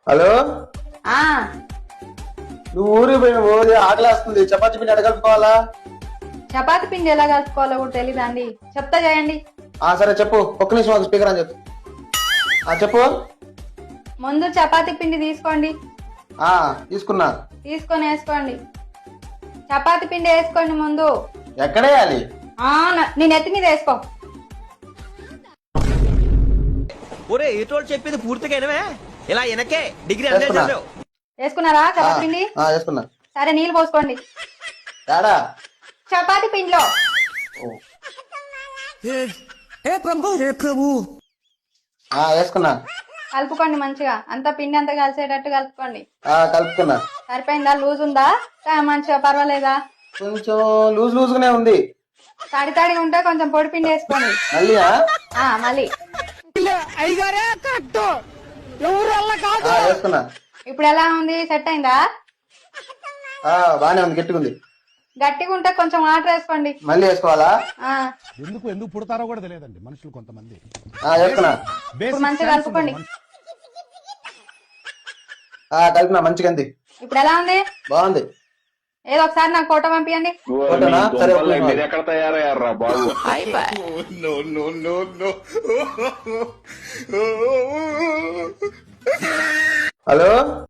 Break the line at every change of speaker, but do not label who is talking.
Hello,
ఆ
నువ్వు ఊరికి పోయిన రోజు ఆకలేస్తుంది, చపాతీ పిండి అడగలుపుకోవాలా?
చపాతి పిండి ఎలా కలుపుకోవాలో కూడా తెలీదా అండి? చెప్తా చేయండి.
సరే చెప్పు, ఒక్క నిమిషం ఒక స్పీకర్ అని చెప్పు. చెప్పు.
ముందు చపాతి పిండి తీసుకోండి.
తీసుకున్నా.
తీసుకొని వేసుకోండి. చపాతి పిండి వేసుకోండి ముందు.
ఎక్కడేయాలి?
నేను ఎత్తి మీద వేసుకో.
ఒరే ఏటోళ్ళు చెప్పింది పూర్తిగా వినవే? ఇలా వెనకే డిగ్రీ
వేసుకున్నా.
వేసుకున్నారా చపాతి పిండి?
వేసుకున్నా.
సరే నీళ్ళు పోసుకోండి
తేడా.
చపాతి పిండిలో.
వేసుకున్నా.
కలుపుకోండి మంచిగా, అంతా పిండి అంతా కలిసేటట్టు కలుపుకోండి.
కలుపుకున్నా.
సరిపోయిందా? లూజ్ ఉందా? మంచిగా పర్వాలేదా?
కొంచెం లూజ్ లూజ్ గానే ఉంది.
తడి తడిగా ఉంటే కొంచెం పొడి పిండి వేసుకోండి.
మళ్ళీ
మళ్ళీ
వేసుకున్నా.
ఇప్పుడు ఎలా ఉంది? సెట్ అయిందా?
బానే ఉంది, గట్టిగా ఉంది.
గట్టిగా ఉంటే కొంచెం వాటర్ వేసుకోండి.
మళ్ళీ వేసుకోవాలా?
ఎందుకు పుడతారో కూడా తెలియదండి మనుషులు కొంతమంది.
వేసుకున్నా.
ఇప్పుడు మంచిగా కలుపుకోండి.
కలిపినా మంచిగా ఉంది.
ఇప్పుడు ఎలా ఉంది?
బాగుంది.
ఏదో ఒకసారి నాకు ఫోటో పంపియండి.
ఫోటోనా? సరే,
మీరు ఎక్కడ తయారయ్యారా బాబు?
హలో.